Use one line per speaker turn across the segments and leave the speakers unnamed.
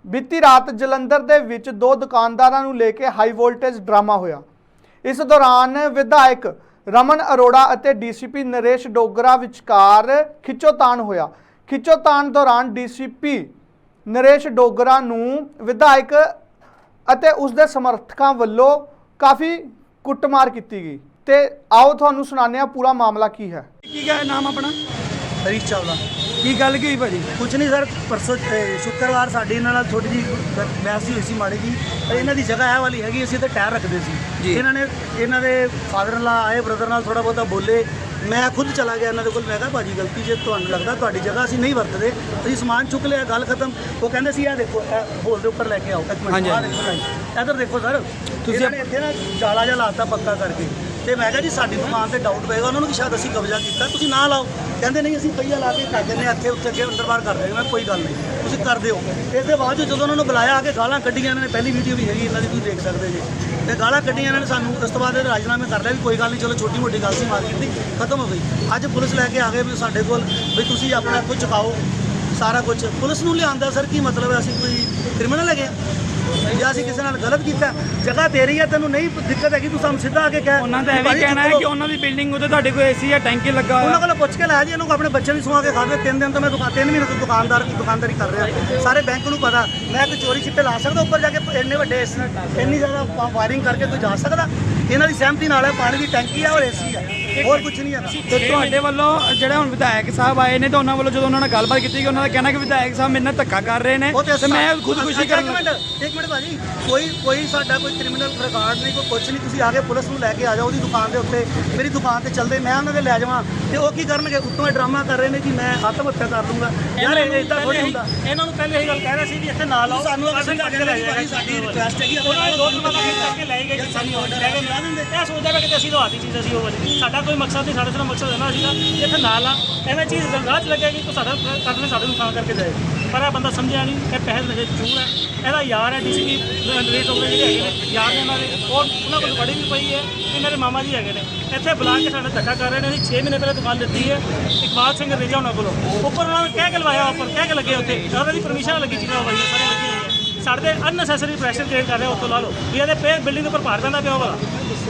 बीती रात जलंधर दे विच दो दुकानदारां नूं लेके हाई वोल्टेज ड्रामा होया। इस दौरान विधायक रमन अरोड़ा अते डीसीपी नरेश डोगरा विचकार खिच्चोतान होया। खिच्चोतान दौरान डीसीपी नरेश डोगरा नूं विधायक अते उसदे समर्थकां वल्लों काफ़ी कुटमार की गई। ते आओ तुहानूं सुणाने आ पूरा मामला की है।
की क्या है नाम अपना?
हरीश चावला।
की गल की भाजी?
कुछ नहीं सर, परसों शुक्रवार साड़ी इन्हां नाल थोड़ी जी बहस हुई सी माड़ी जी। इन्हां दी जगह है वाली हैगी, असीं ते टायर रखदे सी। इन्हां दे फादर इन लॉ आए, ब्रदर नाल थोड़ा बहुता बोले। मैं खुद चला गया इन्हां दे कोल। मैं कहा भाजी गलती जे तुहानूं लगदा तुहाडी जगह असीं नहीं वरतदे, असीं समान चुक लिया, गल खत्म। वो कहंदे सी आ देखो होल दे उपर लैके आओ। एक मिनट इधर देखो सर, तुसीं इत्थे ना जाला जिहा लाता पक्का करके। तो मैं कहा जी साडी दुकान पर डाउट पेगा उन्होंने कि शायद असीं कब्जा किया, तुसीं ना लाओ। कहते नहीं असीं पहिया ला के कर देने इत्थे उत्थे अगे अंदर बाहर कर देंगे। मैं कोई गल नहीं, तुसीं कर दिओ। इस दे बाद जो उन्होंने बुलाया आके गालां कड्ढियां इन्होंने, पहली वीडियो भी हैगी इन्हां दी, तुसीं देख सकदे जी। ते गालां कड्ढियां इन्होंने सानूं। उस तो बाद राजीनामे कर लिया भी कोई गल नहीं, चलो छोटी मोटी गल सी मार्केट दी खत्म हो गई। अज पुलिस लैके आ गए भी साडे कोल भी तुसीं अपना इत्थों चुकाओ सारा कुछ। पुलिस नूं लिआंदा सर की मतलब है? असीं कोई क्रिमिनल हैगे या असीं किसी नाल गलत कीता? जगह तेरी है, तैनूं नहीं दिक्कत हैगी, तूं सानूं सीधा आके कह।
उन्होंने तो यह कहना है कि उन्होंने बिल्डिंग उत्ते तुहाडे कोई एसी या टैंकी लगा
उन्होंने कोल पुछ के लाया जी। इन्होंने अपने बच्चे भी सुआ के खा दे। 3 दिन तो मैं 3 महीने तो दुकानदारी कर रहा। सारे बैंक नूं पता मैं कोई चोरी छिट्टे ला सकदा उपर जाके? इन्ने वड्डे इन्नी ज़्यादा वायरिंग करके कोई जा सकदा? इन्हां दी सहमति नाल है, पानी की टैंकी है और एसी है, और कुछ नहीं है।
तो तुहाडे वल्लों ਜਿਹੜੇ ਹੁਣ ਵਿਧਾਇਕ ਸਾਹਿਬ ਆਏ ਨੇ ਤਾਂ ਉਹਨਾਂ ਵੱਲੋਂ ਜਦੋਂ ਉਹਨਾਂ ਨਾਲ ਗੱਲਬਾਤ ਕੀਤੀ ਗਈ, ਉਹਨਾਂ ਦਾ ਕਹਿਣਾ ਕਿ ਵਿਧਾਇਕ ਸਾਹਿਬ ਮੇਰੇ ਨਾਲ ਧੱਕਾ ਕਰ ਰਹੇ ਨੇ ਤੇ ਮੈਂ ਖੁਦਕੁਸ਼ੀ ਕਰਨ ਲੱਗਾ।
ਇੱਕ ਮਿੰਟ ਭਾਜੀ, ਕੋਈ ਸਾਡਾ ਕੋਈ ਕ੍ਰਿਮੀਨਲ ਰਿਕਾਰਡ ਨਹੀਂ, ਕੋਈ ਕੁਛ ਨਹੀਂ। ਤੁਸੀਂ ਆ ਕੇ ਪੁਲਿਸ ਨੂੰ ਲੈ ਕੇ ਆ ਜਾਓ ਉਹਦੀ ਦੁਕਾਨ ਦੇ ਉੱਤੇ। ਮੇਰੀ ਦੁਕਾਨ ਤੇ ਚੱਲਦੇ ਮੈਂ ਉਹਨਾਂ ਦੇ ਲੈ ਜਾਵਾਂ ਤੇ ਉਹ ਕੀ ਕਰਨਗੇ? ਉੱਤੋਂ ਇਹ ਡਰਾਮਾ ਕਰ ਰਹੇ ਨੇ ਕਿ ਮੈਂ ਆਤਮ ਹੱਤਿਆ ਕਰ ਲੂੰਗਾ। ਯਾਰ ਇਹ ਇਦਾਂ ਥੋੜੀ ਹੁੰਦਾ। ਇਹਨਾਂ ਨੂੰ ਪਹਿਲੇ ਇਹ ਗੱਲ ਕਹਿ ਰਹੇ ਸੀ ਵੀ ਇੱਥੇ ਨਾ ਲਾਓ, ਸਾਨੂੰ ਅਸੀਂ ਕੱਢ ਕੇ ਲੈ ਜਾਈਏ। ਸਾਡੀ ਰਿਕੁਐਸਟ ਹੈਗੀ ਉਹਨਾਂ ਨੇ 2 ਦਿਨ ਬਾਅਦ ਕਰਕੇ ਲੈ ਗਏ ਜੀ। ਸਾਨੂੰ ਆਰਡਰ ਲੈ ਕੇ ਲਾ ਦਿੰਦੇ। ਇਹ ਸੋਚਦਾ ਕਿ ਅਸੀਂ ਲਵਾਤੀ ਚੀਜ਼ ਅਸੀਂ ਉਹ ਸਾਡਾ ਕੋਈ ਮਕਸਦ ਨਹੀਂ। ਸਾਡਾ ਸਿਰਫ ਮਕਸਦ ਹੈ ਨਾ ਸੀਗਾ ਇੱਥੇ ਨਾ ਲਾ, ਐਵੇਂ ਚੀਜ਼ ਗੰਗਾ 'ਚ ਲੱਗੇਗੀ ਤਾਂ ਸਾਡਾ ਕੱਢਣੇ ਸਾਡੇ ਨੂੰ ਖਾਂ ਕਰਕੇ ਜਾਏਗੀ। ਪਰ ਇਹ ਬੰਦਾ ਸਮਝਿਆ ਨਹੀਂ, ਇਹ ਪੈਸੇ ਨਸ਼ੇ ਚੂਰ ਹੈ। ਇਹਦਾ ਯਾਰ ਹੈ ਡੀਸੀਪੀ ਨਰੇਸ਼ ਡੋਗਰਾ ਜਿਹੜੇ ਹੈਗੇ ਨੇ, ਯਾਰ ਨੇ ਇਹਨਾਂ ਦੇ, ਔਰ ਉਹਨਾਂ ਕੋਲ ਬੜੀ ਵੀ ਪਈ ਹੈ ਕਿ ਮੇਰੇ ਮਾਮਾ ਜੀ ਹੈਗੇ ਨੇ। ਇੱਥੇ ਬੁਲਾ ਕੇ ਸਾਡਾ ਧੱਕਾ ਕਰ ਰਹੇ ਨੇ। ਅਸੀਂ 6 ਮਹੀਨੇ ਪਹਿਲਾਂ ਦੁਕਾਨ ਦਿੱਤੀ ਹੈ ਇਕਬਾਲ ਸਿੰਘ ਰੇਜਾ ਉਹਨਾਂ ਕੋਲੋਂ। ਉੱਪਰ ਉਹਨਾਂ ਨੇ ਕਹਿ ਕੇ ਲਵਾਇਆ, ਉੱਪਰ ਕਹਿ ਕੇ ਲੱਗੇ ਉੱਥੇ ਉਹਨਾਂ ਦੀ ਪਰਮਿਸ਼ਨ ਲੱਗੀ ਚੀਜ਼ਾਂ ਹੋਈਆਂ ਸਾਰੀਆਂ ਲੱਗੀਆਂ ਹੋਈਆਂ। ਸਾਡੇ ਅਨਨੈਸੈਸਰੀ ਪ੍ਰੈਸ਼ਰ ਕ੍ਰੀਏਟ ਕਰ ਰਹੇ ਉੱਥੋਂ ਲਾ ਲਓ ਵੀ ਇਹਦੇ ਪੇ ਬਿਲਡਿੰਗ ਦੇ ਉੱਪਰ ਭਾਰ ਪੈਂਦਾ ਪਿਆ ਵਾਲਾ।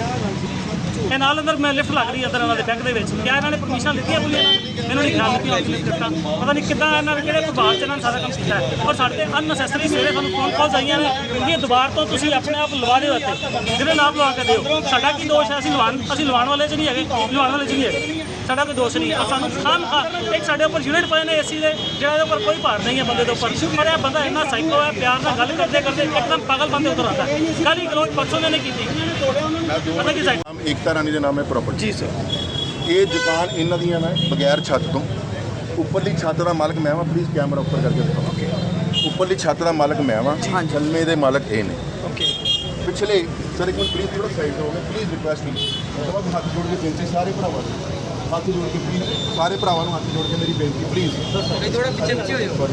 ਇਹ ਨਾਲ ਅੰਦਰ ਮੈਂ ਲਿਫਟ ਲੱਗ ਰਹੀ ਹੈ ਅੰਦਰ ਇਹਨਾਂ ਦੇ ਬੈਂਕ ਦੇ ਵਿੱਚ। ਕਿਆ ਇਹਨਾਂ ਨੇ ਪਰਮਿਸ਼ਨ ਦਿੱਤੀ ਹੈ ਪੁਲਿਸ ਨੇ? ਮੈਨੂੰ ਨਹੀਂ ਖਿਆਲ ਦਿੱਤਾ। ਪਤਾ ਨਹੀਂ ਕਿੱਦਾਂ ਇਹਨਾਂ ਨੇ ਕਿਹੜੇ ਪ੍ਰਭਾਵ 'ਚ ਇਹਨਾਂ ਨੇ ਸਾਰਾ ਕੰਮ ਕੀਤਾ ਹੈ। ਔਰ ਸਾਡੇ ਤੇ ਅਨਨੈਸੈਸਰੀ ਸਵੇਰੇ ਸਾਨੂੰ ਫੋਨ ਕਾਲਸ ਆਈਆਂ ਨੇ ਕਿ ਦੁਬਾਰ ਤੋਂ ਤੁਸੀਂ ਆਪਣੇ ਆਪ ਲਵਾ ਦਿਓ ਇੱਥੇ, ਜਿਹੜੇ ਨਾਮ ਲਵਾ ਕੇ ਦਿਓ। ਸਾਡਾ ਕੀ ਦੋਸ਼ ਹੈ? ਅਸੀਂ ਲਵਾਉਣ ਵਾਲੇ 'ਚ ਨਹੀਂ ਹੈਗੇ, ਲਵਾਉਣ ਵਾਲੇ 'ਚ ਨਹੀਂ ਹੈਗੇ। ਸਾਡਾ ਕੋਈ ਦੋਸ਼ ਨਹੀਂ। ਔਰ ਸਾਨੂੰ ਇੱਕ ਸਾਡੇ ਉੱਪਰ ਯੂਨਿਟ ਪਏ ਨੇ ਏਸੀ ਦੇ, ਜਿਹੜਾ ਇਹਦੇ ਉੱਪਰ ਕੋਈ ਭਾਰ ਨਹੀਂ ਹੈ ਬੰਦੇ ਦੇ ਉੱਪਰ। ਪਰ ਇਹ ਬੰਦਾ ਇੰਨਾ ਸਾਈਕੋ ਹੈ, ਪਿਆਰ ਨਾਲ ਗੱਲ ਕਰਦੇ ਕਰਦੇ ਇੱਕਦਮ ਪਾਗਲ ਬੰਦੇ ਉੱਤਰ ਆਉਂਦਾ। ਕੱਲ੍ਹ ਹੀ ਗਲੋਚ ਪਰਸੋਂ ਨੇ ਕੀਤੀ ਪਤਾ ਕੀ ਸਾਈਕੋ।
एकता रानी के नाम है प्रॉपर्टी
जी सर।
ये दुकान इन्हों दी मैं बगैर छत तो उपरली छत का मालक मैं वा। प्लीज़ कैमरा उपर करके दिखाओ। उपरली छत का मालक मैं वा, थल्ले दे मालक ये ने। पिछले सर एक मिनट प्लीज़ थोड़ा साइड हो गए प्लीज़, रिक्वेस्ट नहीं। मतलब हाथ जोड़ के बेनती सारे भरावां हाथ जोड़ के प्लीज़ सारे भरावां हाथ जोड़ के मेरी बेनती प्लीज़ थोड़ा पीछे हो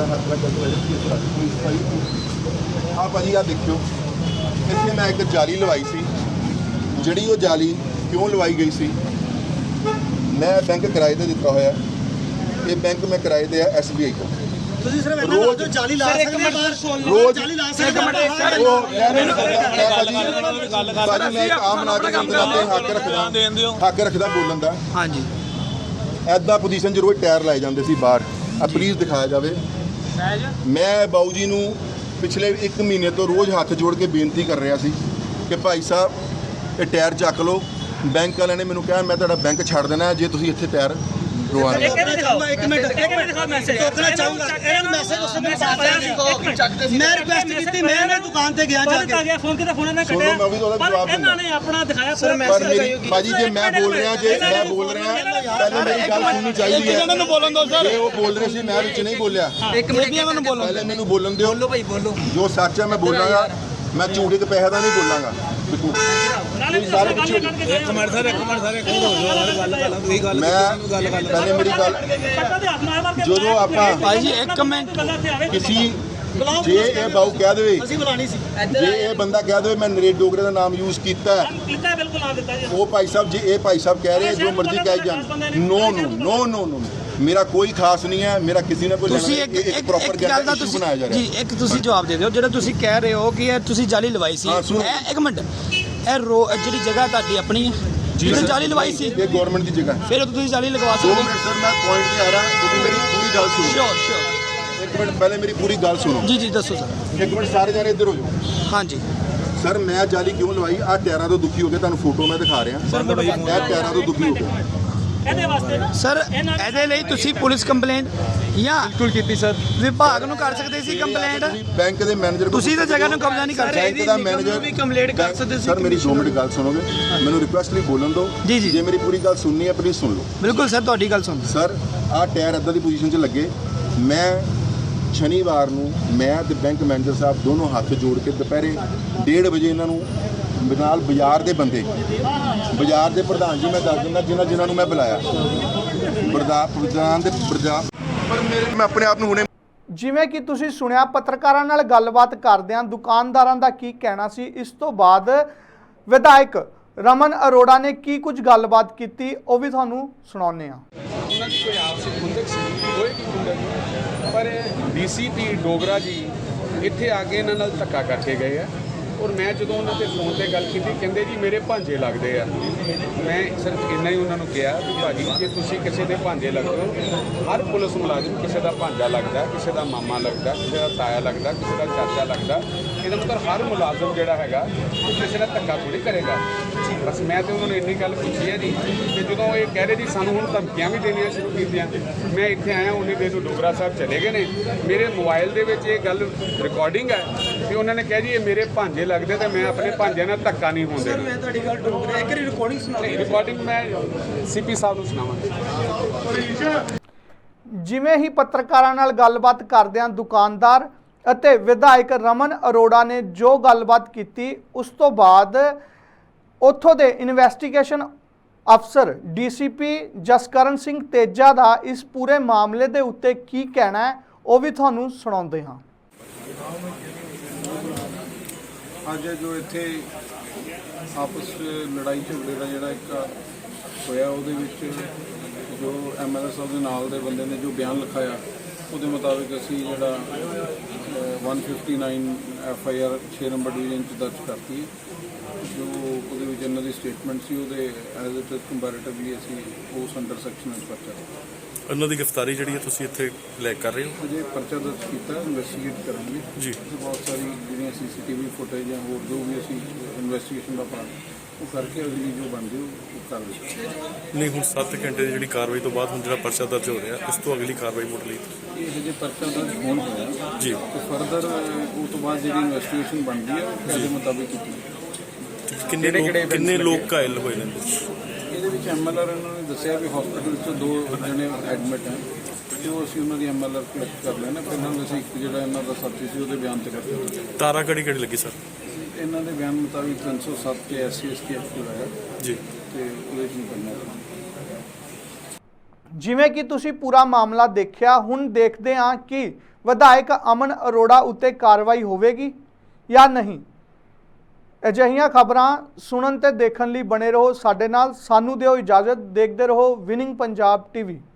हाँ भाजी। आ देखियो इतने मैं एक जाली लवाई सी, ਜਿਹੜੀ ਉਹ ਜਾਲੀ ਕਿਉਂ ਲਵਾਈ ਗਈ ਸੀ? ਮੈਂ ਬੈਂਕ ਕਿਰਾਏ ਤੇ ਦਿੱਤਾ ਹੋਇਆ। ਇਹ ਬੈਂਕ ਮੈਂ ਕਿਰਾਏ ਤੇ ਆ SBI ਤੋਂ।
ਤੁਸੀਂ ਸਿਰਫ ਇਹਨਾਂ ਰੋਜ਼ ਜਾਲੀ ਲਾ ਸਕਦੇ ਬਾਹਰ, ਰੋਜ਼ ਜਾਲੀ ਲਾ ਸਕਦੇ ਬਾਜੀ। ਮੈਂ ਇੱਕ ਆਮ ਨਾਗਰਿਕ ਦੇ ਨਾਤੇ ਹੱਕ ਰੱਖਦਾ ਬੋਲਣ ਦਾ।
ਹਾਂਜੀ
ਐਦਾਂ ਪੋਜੀਸ਼ਨ 'ਚ ਰੋਜ਼ ਟਾਇਰ ਲਾਏ ਜਾਂਦੇ ਸੀ ਬਾਹਰ। ਆ ਪਲੀਜ਼ ਦਿਖਾਇਆ ਜਾਵੇ। ਮੈਂ ਬਾਊ ਜੀ ਨੂੰ ਪਿਛਲੇ 1 ਮਹੀਨੇ ਤੋਂ ਰੋਜ਼ ਹੱਥ ਜੋੜ ਕੇ ਬੇਨਤੀ ਕਰ ਰਿਹਾ ਸੀ ਕਿ ਭਾਈ ਸਾਹਿਬ ਇਹ ਟਾਇਰ ਚੱਕ ਲਓ। ਬੈਂਕ ਵਾਲਿਆਂ ਨੇ ਮੈਨੂੰ ਕਿਹਾ ਮੈਂ ਤੁਹਾਡਾ ਬੈਂਕ ਛੱਡ ਦੇਣਾ ਜੇ ਤੁਸੀਂ ਇੱਥੇ ਟਾਇਰ ਰਵਾਉਣੇ।
ਇੱਕ ਮਿੰਟ ਦਿਖਾਓ ਮੈਸੇਜ ਟੋਕਣਾ ਚਾਹੂੰਗਾ। ਇਹਨਾਂ ਨੂੰ ਮੈਸੇਜ ਉਸ ਨੇ ਪਾਇਆ ਸੀ। ਮੈਂ ਰਿਕੁਐਸਟ ਕੀਤੀ, ਮੈਂ ਇਹਨਾਂ ਦੁਕਾਨ ਤੇ ਗਿਆ ਜਾ ਕੇ ਫੋਨ ਕਿਤੇ ਫੋਨ ਇਹਨਾਂ ਕੱਟਿਆ। ਪਰ ਇਹਨਾਂ ਨੇ ਆਪਣਾ ਦਿਖਾਇਆ ਪੂਰਾ ਮੈਸੇਜ।
ਪਰ ਮੇਰੀ ਭਾਜੀ ਜੇ ਮੈਂ ਬੋਲ ਰਿਹਾ ਪਹਿਲੇ ਮੇਰੀ ਗੱਲ ਸੁਣਨੀ ਚਾਹੀਦੀ ਹੈ।
ਇਹਨਾਂ ਨੂੰ ਬੋਲਣ ਦਿਓ ਸਰ।
ਜੇ ਉਹ ਬੋਲ ਰਹੇ ਸੀ ਮੈਂ ਵਿੱਚ ਨਹੀਂ ਬੋਲਿਆ।
ਇੱਕ ਮਿੰਟ ਇਹਨਾਂ ਨੂੰ ਬੋਲੋ,
ਪਹਿਲੇ ਮੈਨੂੰ ਬੋਲਣ ਦਿਓ।
ਬੋਲੋ ਭਾਈ ਬੋਲੋ।
ਜੋ ਸੱਚ ਹੈ ਮੈਂ ਬੋਲਾਂਗਾ, ਮੈਂ ਝੂਠ ਦੇ ਪੈਸੇ ਦਾ ਨਹੀਂ ਬੋਲਾਂਗਾ। ਪਹਿਲੇ ਮੇਰੀ ਗੱਲ ਜਦੋਂ ਆਪਾਂ
ਭਾਜੀ ਇੱਕ ਮਿੰਟ
ਕਿਸੇ ਜੇ ਇਹ ਬਾਊ ਕਹਿ ਦੇਵੇ, ਜੇ ਇਹ ਬੰਦਾ ਕਹਿ ਦੇਵੇ ਮੈਂ ਨਰੇਸ਼ ਡੋਗਰੇ ਦਾ ਨਾਮ ਯੂਜ਼ ਕੀਤਾ ਉਹ ਭਾਈ ਸਾਹਿਬ, ਜੇ ਇਹ ਭਾਈ ਸਾਹਿਬ ਕਹਿ ਰਹੇ ਜੋ ਮਰਜ਼ੀ ਕਹਿ ਜਾਣ, ਨੋ ਨੋ ਨੋ ਨੋ ਨੋ ਮੇਰਾ ਕੋਈ ਖਾਸ ਨਹੀਂ ਹੈ, ਮੇਰਾ ਕਿਸੇ ਨਾਲ ਕੋਈ
ਤੁਸੀਂ
ਇੱਕ ਪ੍ਰੋਪਰ
ਗੱਲ ਦਾ
ਇਸ਼ੂ ਬਣਾਇਆ ਜਾ ਰਿਹਾ
ਜੀ ਇੱਕ ਤੁਸੀਂ ਜਵਾਬ ਦੇ ਦਿਓ ਜਿਹੜਾ ਤੁਸੀਂ ਕਹਿ ਰਹੇ ਹੋ ਕਿ ਇਹ ਤੁਸੀਂ ਜਾਲੀ ਲਵਾਈ ਸੀ।
ਹਾਂ, ਸੁਣੋ।
ਇਹ ਇੱਕ ਮਿੰਟ, ਇਹ ਜਿਹੜੀ ਜਗ੍ਹਾ ਤੁਹਾਡੀ ਆਪਣੀ ਹੈ ਜਿਹਨੇ ਜਾਲੀ ਲਵਾਈ ਸੀ,
ਇਹ ਗਵਰਨਮੈਂਟ ਦੀ ਜਗ੍ਹਾ ਹੈ।
ਫਿਰ ਉਹ ਤੁਸੀਂ ਜਾਲੀ ਲਗਵਾ
2
ਸਕਦੇ
ਮਿੰਟ ਸਰ, ਮੈਂ ਪੁਆਇੰਟ ਤੇ ਆ ਰਹਾ, ਤੁਸੀਂ ਮੇਰੀ ਪੂਰੀ ਗੱਲ ਸੁਣੋ।
ਸ਼ੋਰ
ਇੱਕ ਮਿੰਟ ਪਹਿਲੇ ਮੇਰੀ ਪੂਰੀ ਗੱਲ ਸੁਣੋ।
ਜੀ ਦੱਸੋ ਸਰ।
ਇੱਕ ਮਿੰਟ ਸਾਰੇ ਜਾਣੇ ਇੱਧਰ ਹੋ ਜਾਓ।
ਹਾਂਜੀ
ਸਰ, ਮੈਂ ਜਾਲੀ ਕਿਉਂ ਲਵਾਈ? ਆਹ ਟਾਇਰਾਂ ਤੋਂ ਦੁਖੀ ਹੋ ਕੇ ਤੁਹਾਨੂੰ ਫੋਟੋ ਮੈਂ ਦਿਖਾ ਰਿਹਾ। ਇਹ ਟਾਇਰਾਂ ਤੋਂ ਦੁਖੀ ਹੋ ਗਿਆ
ਸਰ, ਇਹਦੇ ਲਈ ਤੁਸੀਂ ਪੁਲਿਸ ਕੰਪਲੇਂਟ ਜਾਂ
ਬਿਲਕੁਲ ਕੀਤੀ ਸਰ।
ਵਿਭਾਗ ਨੂੰ ਕਰ ਸਕਦੇ ਸੀ ਕੰਪਲੇਂਟ।
ਬੈਂਕ ਦੇ ਮੈਨੇਜਰ
ਤੁਸੀਂ ਤਾਂ ਜਗ੍ਹਾ ਨੂੰ ਕਬਜ਼ਾ ਨਹੀਂ ਕਰ ਰਹੇ।
ਬੈਂਕ ਦਾ ਮੈਨੇਜਰ
ਵੀ ਕੰਪਲੇਂਟ ਕਰ ਸਕਦੇ ਸੀ।
ਸਰ, ਮੇਰੀ 2 ਮਿੰਟ ਗੱਲ ਸੁਣੋਗੇ? ਮੈਨੂੰ ਰਿਕੁਐਸਟ ਲਈ ਬੋਲਣ ਦਿਓ।
ਜੀ।
ਜੇ ਮੇਰੀ ਪੂਰੀ ਗੱਲ ਸੁਣਨੀ ਹੈ ਪਲੀਜ਼ ਸੁਣ ਲਓ।
ਬਿਲਕੁਲ ਸਰ, ਤੁਹਾਡੀ ਗੱਲ ਸੁਣ।
ਸਰ, ਆਹ ਟਾਇਰ ਇੱਦਾਂ ਦੀ ਪੋਜੀਸ਼ਨ 'ਚ ਲੱਗੇ। ਮੈਂ ਸ਼ਨੀਵਾਰ ਨੂੰ ਮੈਂ ਤੇ ਬੈਂਕ ਮੈਨੇਜਰ ਸਾਹਿਬ ਦੋਨੋਂ ਹੱਥ ਜੋੜ ਕੇ ਦੁਪਹਿਰੇ 1:30 ਵਜੇ ਇਹਨਾਂ ਨੂੰ ਨਾਲ ਬਾਜ਼ਾਰ ਦੇ ਬੰਦੇ, ਬਾਜ਼ਾਰ ਦੇ ਪ੍ਰਧਾਨ ਜੀ ਮੈਂ ਦੱਸ ਦਿੰਦਾ ਜਿਨ੍ਹਾਂ ਨੂੰ ਮੈਂ ਬੁਲਾਇਆ, ਮੈਂ ਆਪਣੇ ਆਪ ਨੂੰ ਹੁਣੇ।
ਜਿਵੇਂ ਕਿ ਤੁਸੀਂ ਸੁਣਿਆ, ਪੱਤਰਕਾਰਾਂ ਨਾਲ ਗੱਲਬਾਤ ਕਰਦਿਆਂ ਦੁਕਾਨਦਾਰਾਂ ਦਾ ਕੀ ਕਹਿਣਾ ਸੀ। ਇਸ ਤੋਂ ਬਾਅਦ ਵਿਧਾਇਕ ਰਮਨ ਅਰੋੜਾ ਨੇ ਕੀ ਕੁਝ ਗੱਲਬਾਤ ਕੀਤੀ ਉਹ ਵੀ ਤੁਹਾਨੂੰ ਸੁਣਾਉਂਦੇ ਹਾਂ।
ਉਹਨਾਂ ਦੀ ਕੋਈ ਆਪਸੀ ਖੁੰਦਕ ਸੀ, ਕੋਈ ਨਹੀਂ ਖੁੰਦਕ, ਪਰ ਡੀਸੀਪੀ ਡੋਗਰਾ ਜੀ ਇੱਥੇ ਆ ਕੇ ਇਹਨਾਂ ਨਾਲ ਧੱਕਾ ਕਰਕੇ ਗਏ ਆ। ਔਰ ਮੈਂ ਜਦੋਂ ਉਹਨਾਂ ਦੇ ਫੋਨ ਤੇ ਗੱਲ ਕੀਤੀ, ਕਹਿੰਦੇ ਜੀ ਮੇਰੇ ਭਾਂਜੇ ਲੱਗਦੇ ਆ। ਮੈਂ ਸਿਰਫ ਇੰਨਾ ਹੀ ਉਹਨਾਂ ਨੂੰ ਕਿਹਾ ਵੀ ਭਾਜੀ ਜੇ ਤੁਸੀਂ ਕਿਸੇ ਦੇ ਭਾਂਜੇ ਲੱਗਦੇ ਹੋ, ਹਰ ਪੁਲਿਸ ਮੁਲਾਜ਼ਮ ਕਿਸੇ ਦਾ ਭਾਂਜਾ ਲੱਗਦਾ, ਕਿਸੇ ਦਾ ਮਾਮਾ ਲੱਗਦਾ, ਕਿਸੇ ਦਾ ਤਾਇਆ ਲੱਗਦਾ, ਕਿਸੇ ਦਾ ਚਾਚਾ ਲੱਗਦਾ। ਇਹਦਾ ਮਤਲਬ ਹਰ ਮੁਲਾਜ਼ਮ ਜਿਹੜਾ ਹੈਗਾ ਉਹ ਕਿਸੇ ਦਾ ਧੱਕਾ ਥੋੜ੍ਹੀ ਕਰੇਗਾ। ਬਸ ਮੈਂ ਤੇ ਉਹਨਾਂ ਨੂੰ ਇੰਨੀ ਗੱਲ ਪੁੱਛੀ ਹੈ ਜੀ ਕਿ ਜਦੋਂ ਇਹ ਕਹਿ ਰਹੇ ਜੀ ਸਾਨੂੰ ਹੁਣ ਧਮਕੀਆਂ ਵੀ ਦੇਣੀਆਂ ਸ਼ੁਰੂ ਕੀਤੀਆਂ। ਮੈਂ ਇੱਥੇ ਆਇਆ ਉਨੀ ਦੇਰ ਨੂੰ ਡੋਗਰਾ ਸਾਹਿਬ ਚਲੇ ਗਏ ਨੇ। ਮੇਰੇ ਮੋਬਾਈਲ ਦੇ ਵਿੱਚ ਇਹ ਗੱਲ ਰਿਕਾਰਡਿੰਗ ਹੈ ਕਿ ਉਹਨਾਂ ਨੇ ਕਿਹਾ ਜੀ ਇਹ ਮੇਰੇ ਭਾਂਜੇ ਲੱਗਦੇ ਤੇ ਮੈਂ ਆਪਣੇ ਭਾਂਜਿਆਂ ਨਾਲ ਧੱਕਾ ਨਹੀਂ ਹੋਣ ਦੇਣਾ।
ਮੈਂ ਤੁਹਾਡੀ ਗੱਲ ਡੋਗਰਾ ਇੱਕ ਰਿਕਾਰਡਿੰਗ ਸੁਣਾ।
ਰਿਕਾਰਡਿੰਗ ਮੈਂ ਸੀਪੀ ਸਾਹਿਬ ਨੂੰ ਸੁਣਾਵਾਂਗਾ।
ਜਿਵੇਂ ਹੀ ਪੱਤਰਕਾਰਾਂ ਨਾਲ ਗੱਲਬਾਤ ਕਰਦਿਆਂ ਦੁਕਾਨਦਾਰ ਅਤੇ ਵਿਧਾਇਕ ਰਮਨ ਅਰੋੜਾ ਨੇ ਜੋ ਗੱਲਬਾਤ ਕੀਤੀ, ਉਸ ਤੋਂ ਬਾਅਦ ਉੱਥੋਂ ਦੇ ਇਨਵੈਸਟੀਗੇਸ਼ਨ ਅਫਸਰ ਡੀਸੀਪੀ ਜਸਕਰਨ ਸਿੰਘ ਤੇਜਾ ਦਾ ਇਸ ਪੂਰੇ ਮਾਮਲੇ ਦੇ ਉੱਤੇ ਕੀ ਕਹਿਣਾ ਹੈ ਉਹ ਵੀ ਤੁਹਾਨੂੰ ਸੁਣਾਉਂਦੇ ਹਾਂ।
ਅੱਜ ਜੋ ਇੱਥੇ ਆਪਸ ਲੜਾਈ ਝਗੜੇ ਦਾ ਜਿਹੜਾ ਇੱਕ ਹੋਇਆ, ਉਹਦੇ ਵਿੱਚ ਜੋ ਐਮਐਲਏ ਸਾਹਿਬ ਦੇ ਨਾਲ ਦੇ ਬੰਦੇ ਨੇ ਜੋ ਬਿਆਨ ਲਿਖਾਇਆ, ਉਹਦੇ ਮੁਤਾਬਿਕ ਅਸੀਂ ਜਿਹੜਾ 159 FIR 6 ਨੰਬਰ ਡਿਵੀਜ਼ਨ 'ਚ ਦਰਜ ਕਰਤੀ ਹੈ। ਜੋ ਉਹਦੇ ਵਿੱਚ ਇਹਨਾਂ ਦੀ ਸਟੇਟਮੈਂਟ ਸੀ, ਉਹਦੇ ਐਜ਼ ਇਟ ਇਜ਼ ਕੰਪੈਰੇਟਿਵਲੀ ਅਸੀਂ ਉਸ ਅੰਡਰ ਸੈਕਸ਼ਨ ਵਿੱਚ ਪਰਚਾ
ਉਹਨਾਂ ਦੀ ਗ੍ਰਿਫਤਾਰੀ ਜਿਹੜੀ ਹੈ ਤੁਸੀਂ ਇੱਥੇ ਲੈ ਕਰ ਰਹੇ ਹੋ?
ਅਜੇ ਪਰਚਾ ਦਰਜ ਕੀਤਾ, ਇਨਵੈਸਟੀਗੇਟ ਕਰਾਂਗੇ
ਜੀ।
ਬਹੁਤ ਸਾਰੀ ਜਿਹੜੀਆਂ CCTV ਫੁਟੇਜ ਜਾਂ ਹੋਰ ਜੋ ਵੀ ਅਸੀਂ ਇਨਵੈਸਟੀਗੇਸ਼ਨ ਦਾ ਪਾਰਟ ਉਹ ਕਰਕੇ ਅਗਲੀ ਜੋ ਬਣਦੀ ਉਹ ਕਰ ਦਿੱਤੀ।
ਨਹੀਂ, ਹੁਣ 7 ਘੰਟੇ ਦੀ ਜਿਹੜੀ ਕਾਰਵਾਈ ਤੋਂ ਬਾਅਦ ਹੁਣ ਜਿਹੜਾ ਪਰਚਾ ਦਰਜ ਹੋ ਰਿਹਾ, ਇਸ ਤੋਂ ਅਗਲੀ ਕਾਰਵਾਈ ਮੁੱਢ ਲਈ
ਇਹ ਜੇ ਪਰਚਾ ਦਰਜ ਹੋਣ ਹੋਇਆ
ਜੀ,
ਤੇ ਫਰਦਰ ਉਹ ਤੋਂ ਬਾਅਦ ਜਿਹੜੀ ਇਨਵੈਸਟੀਗੇਸ਼ਨ ਬਣਦੀ ਹੈ ਉਹਦੇ ਮੁਤਾਬਿਕ ਕੀਤੀ।
ਕਿੰਨੇ ਲੋਕ ਘਾਇਲ ਹੋਏ ਨੇ?
ਇਹਦੇ ਵਿੱਚ MLR ਇਹਨਾਂ ਨੇ ਦੱਸਿਆ ਵੀ ਹਸਪੀਟਲ 'ਚ 2 ਜਣੇ ਐਡਮਿਟ ਹੈ ਤੇ ਉਹ ਅਸੀਂ ਉਹਨਾਂ ਦੀ MLR ਕਲੈਕਟ ਕਰ ਲੈਣਾ। ਫਿਰ ਨਾਲ ਅਸੀਂ ਇੱਕ ਜਿਹੜਾ ਇਹਨਾਂ ਦਾ ਸਾਥੀ ਸੀ ਉਹਦੇ ਬਿਆਨ ਤੇ ਕਰਦੇ ਹਾਂ।
ਤਾਰਾ ਕਿਹੜੀ ਲੱਗੀ ਸਰ?
ਇਹਨਾਂ ਦੇ ਬਿਆਨ ਮੁਤਾਬਿਕ 307 ਤੇ SC/ST ਐਕਟਿਵ ਆਇਆ
ਜੀ
ਤੇ ਉਹਦੇ 'ਚ ਨਹੀਂ ਕਰਨਾ।
ਜਿਵੇਂ ਕਿ ਤੁਸੀਂ ਪੂਰਾ ਮਾਮਲਾ ਦੇਖਿਆ, ਹੁਣ ਦੇਖਦੇ ਹਾਂ ਕਿ ਵਿਧਾਇਕ ਅਮਨ ਅਰੋੜਾ ਉੱਤੇ ਕਾਰਵਾਈ ਹੋਵੇਗੀ ਜਾਂ ਨਹੀਂ। ਅਜਿਹੀਆਂ ਖਬਰਾਂ ਸੁਣਨ ਤੇ ਦੇਖਣ ਲਈ ਬਣੇ ਰਹੋ ਸਾਡੇ ਨਾਲ। ਸਾਨੂੰ ਦਿਓ ਇਜਾਜ਼ਤ। ਦੇਖਦੇ ਰਹੋ ਵਿਨਿੰਗ ਪੰਜਾਬ TV।